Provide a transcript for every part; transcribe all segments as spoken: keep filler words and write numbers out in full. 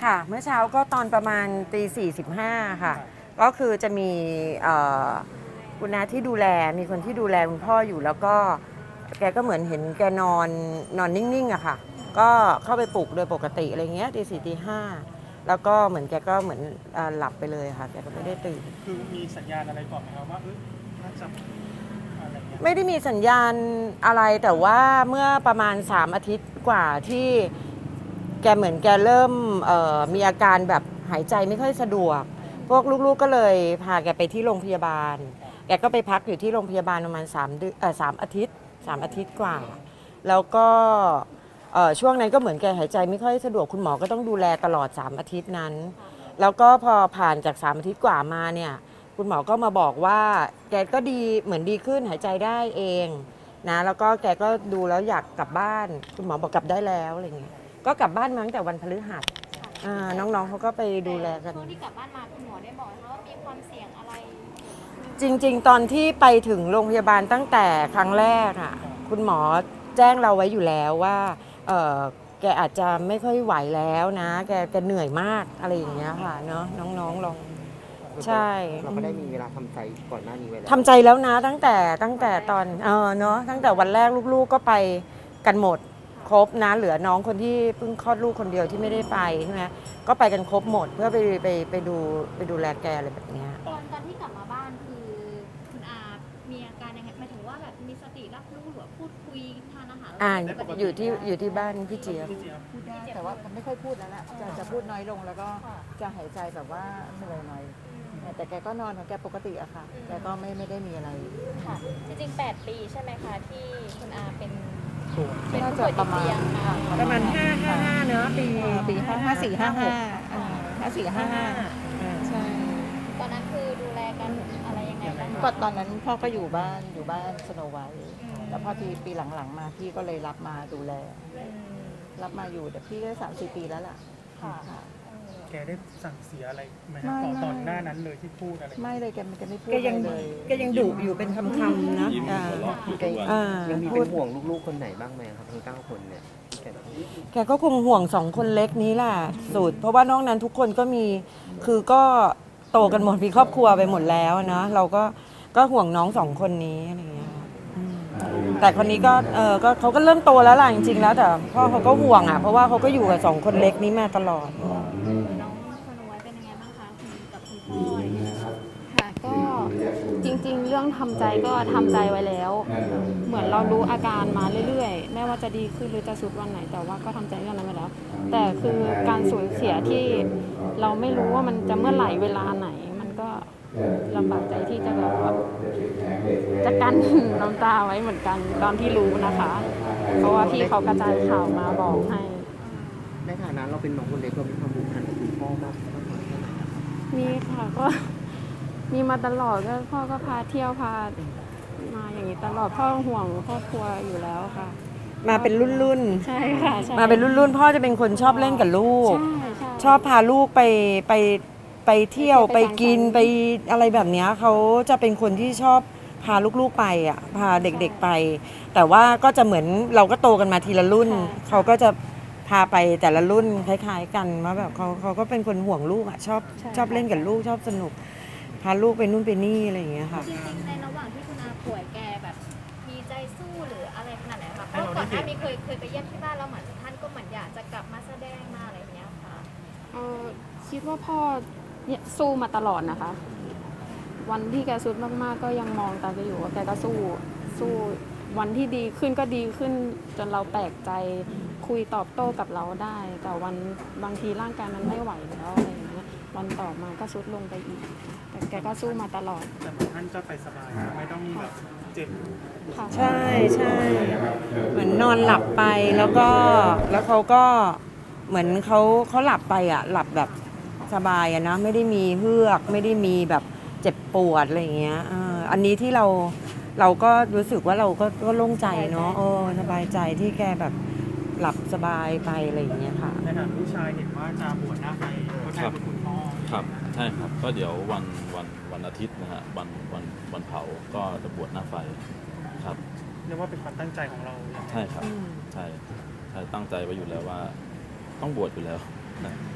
ค่ะเมื่อเช้าก็ตอนประมาณตีสี่สิบห้าค่ะก็คือจะมีคุณน้าที่ดูแลมีคนที่ดูแลคุณพ่ออยู่แล้วก็แกก็เหมือนเห็นแกนอนนอนนิ่งๆอะค่ะก็เข้าไปปลุกโดยปกติอะไรเงี้ยตีสี่ตีห้าแล้วก็เหมือนแกก็เหมือนหลับไปเลยค่ะแกก็ไม่ได้ตื่นคือมีสัญญาณอะไรก่อนไหมครับว่าเออน่าจะอะไรเงี้ยไม่ได้มีสัญญาณอะไรแต่ว่าเมื่อประมาณสามอาทิตย์กว่าที่แกเหมือนแกเริ่มมีอาการแบบหายใจไม่ค่อยสะดวกพวกลูกๆก็เลยพาแกไปที่โรงพยาบาลแกก็ไปพักอยู่ที่โรงพยาบาลประมาณสามเดือนเอ่อสามอาทิตย์สามอาทิตย์กว่าแล้วก็ช่วงนั้นก็เหมือนแกหายใจไม่ค่อยสะดวกคุณหมอก็ต้องดูแลตลอดสามอาทิตย์นั้นแล้วก็พอผ่านจากสามอาทิตย์กว่ามาเนี่ยคุณหมอก็มาบอกว่าแกก็ดีเหมือนดีขึ้นหายใจได้เองนะแล้วก็แกก็ดูแล้วอยากกลับบ้านคุณหมอบอกกลับได้แล้วอะไรเงี้ยก็กลับบ้านมาตั้งแต่วันพฤหัสน้องๆเขาก็ไปดูแลกันช่วงที่กลับบ้านมาคุณหมอได้บอกว่ามีความเสี่ยงอะไรจริงๆตอนที่ไปถึงโรงพยาบาลตั้งแต่ครั้งแรกอ่ะคุณหมอแจ้งเราไว้อยู่แล้วว่าเออแกอาจจะไม่ค่อยไหวแล้วนะแกแกเหนื่อยมากอะไรอย่างเงี้ยค่ะเนาะน้องๆลองใช่เราก็ได้มีเวลาทำใจก่อนหน้านี้ไว้แล้วทำใจแล้วนะตั้งแต่ตั้งแต่ตอนเออเนาะตั้งแต่วันแรกลูกๆก็ไปกันหมดครบนะเหลือน้องคนที่เพิ่งคลอดลูกคนเดียวที่ไม่ได้ไปใช่ไหมก็ไปกันครบหมดเพื่อไปไปไปดูไปดูแลแกอะไรแบบนี้ตอนตอนที่กลับมาบ้านคือคุณอามีอาการยังไงหมายถึงว่าแบบมีสติรับรู้หรือพูดคุยทานอาหารอ่าอยู่ที่อยู่ที่บ้านพี่เจี๊ยบพูดได้แต่ว่าไม่ค่อยพูดแล้วละจะจะพูดน้อยลงแล้วก็จะหายใจแบบว่าเหนื่อยหน่อยแต่แกก็นอนของแกปกติอะค่ะแกก็ไม่ไม่ได้มีอะไรค่ะจริงๆแปดปีใช่ไหมคะที่คุณอาเป็นเป็นผู้ป่วยติดเตียงประมาณห้าห้าห้าเนอะปีปีห้าห้าสี่ห้าห้าห้าสี่ห้าห้าใช่ตอนนั้นคือดูแลกันอะไรยังไงบ้างก็ตอนนั้นพ่อก็อยู่บ้านอยู่บ้านสโนไวท์แล้วพอทีปีหลังๆมาพี่ก็เลยรับมาดูแลรับมาอยู่แต่พี่ก็สามสี่ปีแล้วล่ะค่ะแกได้สั่งเสียอะไรไหมตอนตอนหน้านั้นเลยที่พูดอะไรไม่เลยแกแกไม่พูดเลยแกยังดุอยู่เป็นคำๆนะยังมีเป็นห่วงลูกๆคนไหนบ้างไหมครับทั้งเก้าคนเนี่ยแกก็คงห่วงสองคนเล็กนี้แหละสุดเพราะว่านอกนั้นทุกคนก็มีคือก็โตกันหมดมีครอบครัวไปหมดแล้วนะเราก็ก็ห่วงน้องสองคนนี้อะไรอย่างเงี้ยแต่คนนี้ก็เออก็เขาก็เริ่มโตแล้วล่ะจริงๆแล้วแต่พ่อเขาก็ห่วงอ่ะเพราะว่าเขาก็อยู่กับสองคนเล็กนี้มาตลอดน้องสโนไวท์เป็นยังไงบ้างคะกับคุณพ่ออะไรอย่างเงี้ยค่ะก็จริงๆเรื่องทำใจก็ทำใจไว้แล้วเหมือนเรารู้อาการมาเรื่อยๆไม่ว่าจะดีขึ้นหรือจะสุดวันไหนแต่ว่าก็ทำใจเรื่องนั้นไว้แล้วแต่คือการสูญเสียที่เราไม่รู้ว่ามันจะเมื่อไหร่เวลาไหนมันก็ลำบากใจที่จะแบบจะกั้นน้ำตาไว้เหมือนกันตอนที่รู้นะคะเพราะว่าพี่เขากระจายข่าวมาบอกให้ในฐานะเราเป็นน้องคนเล็กเรามีความผูกพันกับคุณพ่อมากมีค่ะก็มีมาตลอดก็พ่อก็พาเที่ยวพามาอย่างนี้ตลอดพ่อห่วงครอบครัวอยู่แล้วค่ะมาเป็นรุ่นรุ่นใช่ค่ะมาเป็นรุ่นรุ่นพ่อจะเป็นคนชอบเล่นกับลูกชอบพาลูกไปไปไปเที่ยวไปกินไปอะไรแบบนี้เขาจะเป็นคนที่ชอบพาลูกๆไปอ่ะพาเด็กๆไปแต่ว่าก็จะเหมือนเราก็โตกันมาทีละรุ่นเขาก็จะพาไปแต่ละรุ่นคล้ายๆกันว่าแบบเขาเขาก็เป็นคนห่วงลูกอ่ะชอบชอบเล่นกับลูกชอบสนุกพาลูกไปนู่นไปนี่อะไรอย่างเงี้ยค่ะจริงๆในระหว่างที่คุณอาป่วยแกแบบมีใจสู้หรืออะไรขนาดไหนคะเพราะก่อนหน้านี้เคยเคยไปเยี่ยมที่บ้านแล้วเหมือนท่านก็เหมือนอยากจะกลับมาแสดงมาอะไรอย่างเงี้ยค่ะเออคิดว่าพ่อเนี่ยสู้มาตลอดนะคะวันที่แกสุดมากๆก็ยังมองตาแกอยู่ว่าแกก็สู้สู้วันที่ดีขึ้นก็ดีขึ้นจนเราแปลกใจคุยตอบโต้กับเราได้แต่วันบางทีร่างกายมันไม่ไหวแล้วอะไรอย่างเงี้ยวันต่อมาก็สุดลงไปอีกแต่แกก็สู้มาตลอดแต่ท่านก็ไปสบายไม่ต้องแบบเจ็บใช่ใช่เหมือนนอนหลับไปแล้วก็แล้วเขาก็เหมือนเขาเขาหลับไปอ่ะหลับแบบสบายอะนะไม่ได้มีเฮือกไม่ได้มีแบบเจ็บปวดอะไรอย่างเงี้ยอันนี้ที่เราเราก็รู้สึกว่าเราก็ก็โล่งใจเนาะเออสบายใจที่แกแบบหลับสบายไปอะไรอย่างเงี้ยค่ะในฐานะลูกชายเห็นว่าจะบวชหน้าไฟก็ใช่คุณพ่อครับใช่ครับก็เดี๋ยววันวันวันอาทิตย์นะฮะวันวันวันเผาก็จะบวชหน้าไฟครับเรียกว่าเป็นความตั้งใจของเราใช่ครับใช่ใช่ตั้งใจไว้อยู่แล้วว่าต้องบวชอยู่แล้วนะค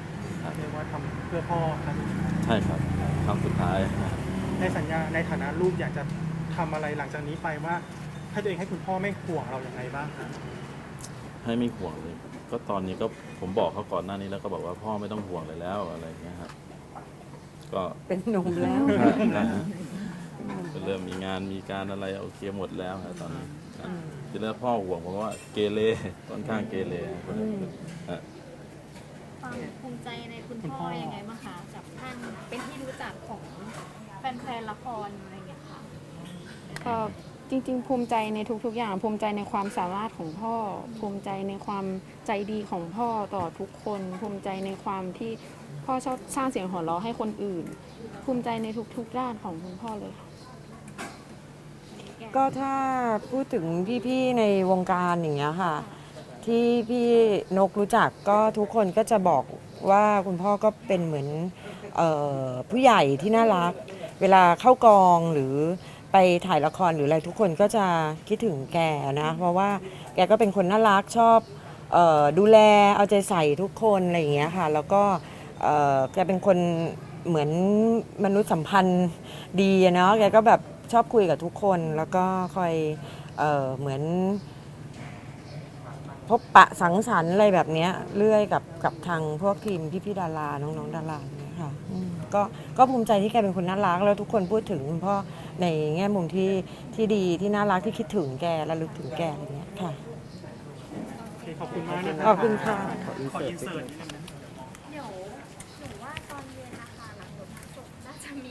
ครับเรียกว่าทำเพื่อพ่อครับใช่ครับครั้งสุดท้ายในสัญญาในฐานะลูกอยากจะทำอะไรหลังจากนี้ไปว่าให้ตัวเองให้คุณพ่อไม่ห่วงเราอย่างไรบ้างครับให้ไม่ห่วงเลย ก็ตอนนี้ก็ผมบอกเขาก่อนหน้านี้แล้วก็บอกว่าพ่อไม่ต้องห่วงเลยแล้วอะไรอย่างเงี้ยครับก็เป็นหนุ่มแล้วนะฮะก็เริ่มมีงานมีการอะไรโอเคหมดแล้วครับตอนนี้นะทีแรกพ่อห่วงเพราะว่าเกเรค่อนข้างเกเรฮะความภูมิใจในคุณพ่อยังไงบ้างคะกับท่านเป็นที่รู้จักของแฟนๆละครอะไรอย่างเงี้ยค่ะก็จริงๆ ภูมิใจในทุกๆ อย่าง ภูมิใจในความสามารถของพ่อ ภูมิใจในความใจดีของพ่อต่อทุกคน ภูมิใจในความที่พ่อชอบสร้างเสียงหัวเราะให้คนอื่น ภูมิใจในทุกๆ ด้านของคุณพ่อเลยค่ะก็ถ้าพูดถึงพี่ๆในวงการอย่างเงี้ยค่ะ ที่พี่นกรู้จักก็ทุกคนก็จะบอกว่าคุณพ่อก็เป็นเหมือนเออผู้ใหญ่ที่น่ารัก เวลาเข้ากองหรือไปถ่ายละครหรืออะไรทุกคนก็จะคิดถึงแกนะเพราะว่าแกก็เป็นคนน่ารักชอบเออดูแลเอาใจใส่ทุกคนอะไรอย่างเงี้ยค่ะแล้วก็เออแกเป็นคนเหมือนมนุษยสัมพันธ์ดีอะเนาะแกก็แบบชอบคุยกับทุกคนแล้วก็คอยเออเหมือนพบปะสังสรรค์อะไรแบบเนี้ยเรื่อยกับกับทางพวกทีมพี่ๆดาราน้องๆดาราอย่างเงี้ยค่ะอืมก็ก็ภูมิใจที่แกเป็นคนน่ารักแล้วทุกคนพูดถึงคุณพ่อในแง่มุมที่ที่ดีที่น่ารักที่คิดถึงแกระลึกถึงแกอะไรเงี้ยค่ะโอเคขอบคุณมากนะรัขอบคุณค่ะขออินเสิร์ตนิดนึง